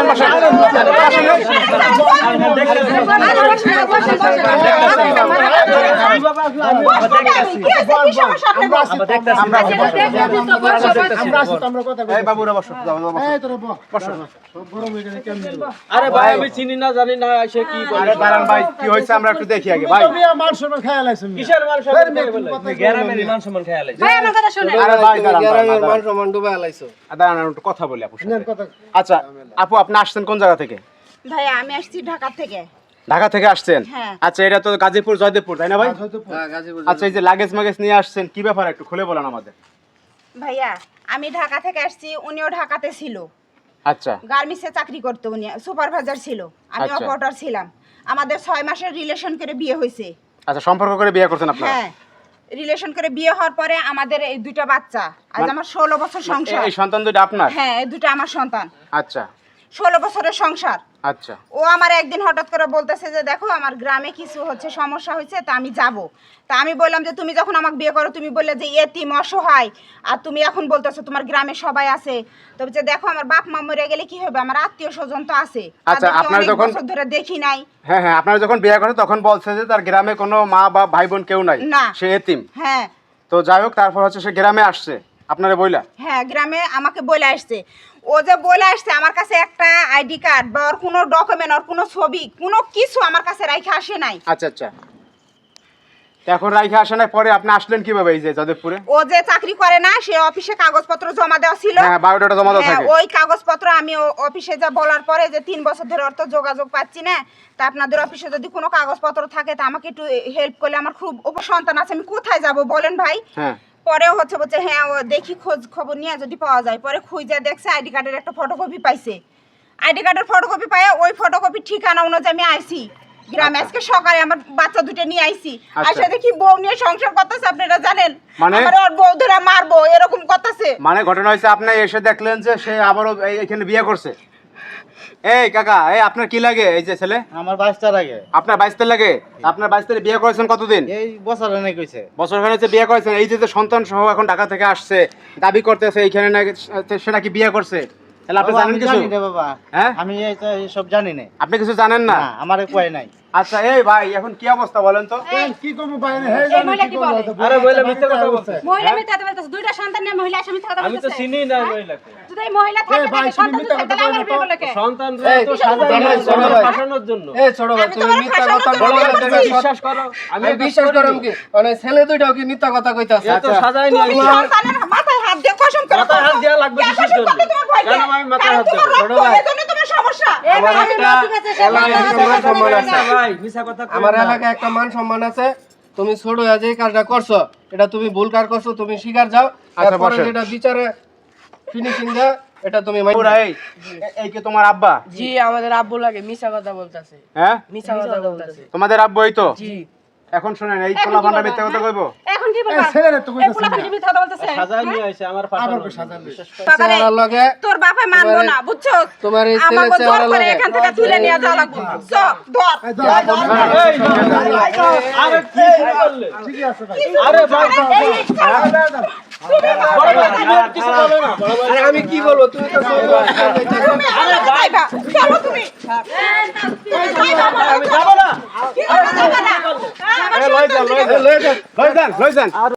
আরে ভাই আমি চিনি না জানি না এসে কি বলে দাঁড়ান ভাই কি হয়েছে আমরা একটু দেখি আগে ভাই মান সম্মান খেয়াল আছে কিসের মান সম্মান গ্রামের মান সম্মান খেয়াল আছে ভাই আমার কথা শুনেন আরে ভাই গ্রামের মান সম্মান ডুবে আলাইছো দাঁড়ান একটু কথা বলি আপুর সাথে আচ্ছা আপু আপনি আসছেন কোন জায়গা থেকে ভাই আমি আসছি ঢাকা থেকে ঢাকা থেকে আসছেন হ্যাঁ। আচ্ছা এটা তো গাজীপুর জয়দেবপুর তাই না ভাই হ্যাঁ গাজীপুর আচ্ছা এই যে লাগেজ মাগেজ নিয়ে আসছেন কি ব্যাপার একটু খুলে বলেন আমাদের ভাইয়া আমি ঢাকা থেকে আসছি উনিও ঢাকাতে ছিল আচ্ছা গার্মেন্টসে চাকরি করতো উনি সুপারভাইজার ছিল আমি আচ্ছা। অপারেটর ছিলাম আমাদের 6 মাসের রিলেশন করে বিয়ে হয়েছে আচ্ছা সম্পর্ক করে বিয়ে করছেন আপনারা হ্যাঁ রিলেশন করে বিয়ে হওয়ার পরে আমাদের এই দুইটা বাচ্চা আজ আমার 16 বছর সংসার এই সন্তান দুটো আপনার হ্যাঁ এই দুটো আমার সন্তান আচ্ছা 16 বছরের সংসার আচ্ছা ও আমার একদিন হঠাৎ করে বলতেছে যে দেখো আমার গ্রামে কিছু হচ্ছে সমস্যা হয়েছে তা আমি যাব তা আমি বললাম যে তুমি যখন আমাকে বিয়ে করো তুমি বললে যে এতিম অসহায় আর তুমি এখন বলতেছো তোমার গ্রামে সবাই আছে তবে যে দেখো আমার বাপ মা মরে গেলে কি হবে আমার আত্মীয় স্বজন তো আছে আচ্ছা, তাদেরকে আপনার অনেক যখন- বছর ধরে দেখি নাই হ্যাঁ হ্যাঁ আপনারা যখন বিয়ে করেন তখন বলছে যে তার গ্রামে কোনো মা বা ভাই বোন কেউ নাই না। সে এতিম হ্যাঁ তো যাই হোক তারপর হচ্ছে সে গ্রামে আসছে আপনারা বইলা হ্যাঁ গ্রামে আমাকে বলে আসছে ও যে বলে আসছে আমার কাছে একটা আইডি কার্ড বা ওর কোনো ডকুমেন্ট ওর কোনো ছবি কোনো কিছু আমার কাছে রাইখে আসে নাই আচ্ছা আচ্ছা তো এখন রাইখে আসে না পরে আপনি আসলেন কিভাবে এই যে যাদবপুরে ও যে চাকরি করে না সে অফিসে কাগজপত্র জমা দেওয়া ছিল হ্যাঁ বায়োডাটা জমা দেওয়া হ্যাঁ, থাকে ওই কাগজপত্র আমি অফিসে যা বলার পরে যে 3 বছর ধরে অর্থ যোগাযোগ পাচ্ছি না তা আপনাদের অফিসে যদি কোনো কাগজপত্র থাকে তা আমাকে একটু হেল্প করলে আমার খুব উপসন্তান আছে আমি কোথায় যাব বলেন ভাই হ্যাঁ পরেও হচ্ছে বলছে হ্যাঁ ও দেখি খোঁজ খবর নিয়ে যদি পাওয়া যায় পরে খুঁজে দেখছে আইডি কার্ডের একটা ফটোকপি পাইছে আইডি কার্ডের ফটোকপি পায় ওই ফটোকপি ঠিকানা অনুযায়ী আমি আইছি গ্রামে আজকে সকালে আমার বাচ্চা দুটো নিয়ে আইছি আইসা দেখি বউ নিয়ে সংসার করতেছে আপনারা জানেন মানে? আমার ওর বউ ধরে মারবো এরকম করতেছে মানে ঘটনা হয়েছে আপনি এসে দেখলেন যে সে আবারও এখানে বিয়ে করছে এই কাকা এই আপনার কি লাগে এই যে ছেলে আমার বাচ্চা লাগে আপনার 22 লাগে আপনার 22 বিয়ে করেছেন কতদিন এই বছর অনেক হইছে বছর খানে হচ্ছে বিয়ে করেছেন এই যে সন্তান সহ এখন ঢাকা থেকে আসছে দাবি করতেছে এইখানে নাকি সে নাকি বিয়ে করছে তাহলে আপনি জানেন কিছু জানি না বাবা হ্যাঁ আমি সব জানি না আপনি কিছু জানেন না না আমার কয় নাই আচ্ছা এই ভাই এখন কি অবস্থা বলেন তো কি করব ভাই না হে এই মহিলা কি বলে আরে বলে মিথ্যা কথা বলছে মহিলা মিথ্যা কথা বলতেছে দুইটা সন্তান নিয়ে মহিলা এসে মিথ্যা কথা আমি তো বলতেছে চিনি না মহিলাকে যদি এই মহিলা থাকে তাহলে সন্তান যদি থাকে তাহলে আমার বিয়ে করলে কে সন্তানরা তো সাজানো ফাঁসানোর জন্য এই ছোট ভাই আমি তুমি তোমার মিথ্যা ফাঁসানোর কথা জন্য বলো বলতেছি। তুমি বিশ্বাস করো আমি আমি বিশ্বাস করম কি মানে ছেলে দুইটাও কি মিথ্যা কথা কইতাছে এ তো সাজাই নি তুমি সন্তানের মাথায় হাত দিয়ে কসম করে মাথায় হাত দেওয়া লাগবে কিসের জন্য? কেন আমি মাথায় হাত দেবো? ছোট ভাই এজন্য তোমার সমস্যা আমার একটা এলাকায় একটা মান সম্মান আছে ভাই মিছা কথা কই আমার না। এলাকায় একটা মান সম্মান আছে তুমি ছোট হয়ে যে কাজটা করছো এটা তুমি ভুল কাজ করছো তুমি স্বীকার যাও আচ্ছা, তারপরে বসেন। যেটা বিচারে ফিনিশিং দা এটা তুমি পুরা এই কি তোমার আব্বা জি আমাদের আব্বু লাগে মিছা কথা বলতাছে হ্যাঁ মিছা কথা বলতাছে তোমাদের আব্বু এই তো জি এখন শুনেন এই পোলা ভান্ডা মিথ্যা কথা কইবো এখন কি বলবা ছেলেরা তো কইতাছে পোলা কি মিথ্যা কথা বলতেছে সাজাই নিয়ে আইছে আমার ফাঁসানো বাবারে, চেহারার লগে তোর বাপে মানবো না বুঝছো তোমার এই ছেলে আমাকে জোর চেহারার করে লগে এখান থেকে তুলে নিয়ে যাওয়া লাগবে ধর আরে কি করলে আরে ভাই বড় ভাই তুমি আর কিছু বলো না বড় ভাই আরে আমি কি বলবো তুমি তো ছোট ভাই। চলো তুমি আমি যাব না কি করবে না? লই যান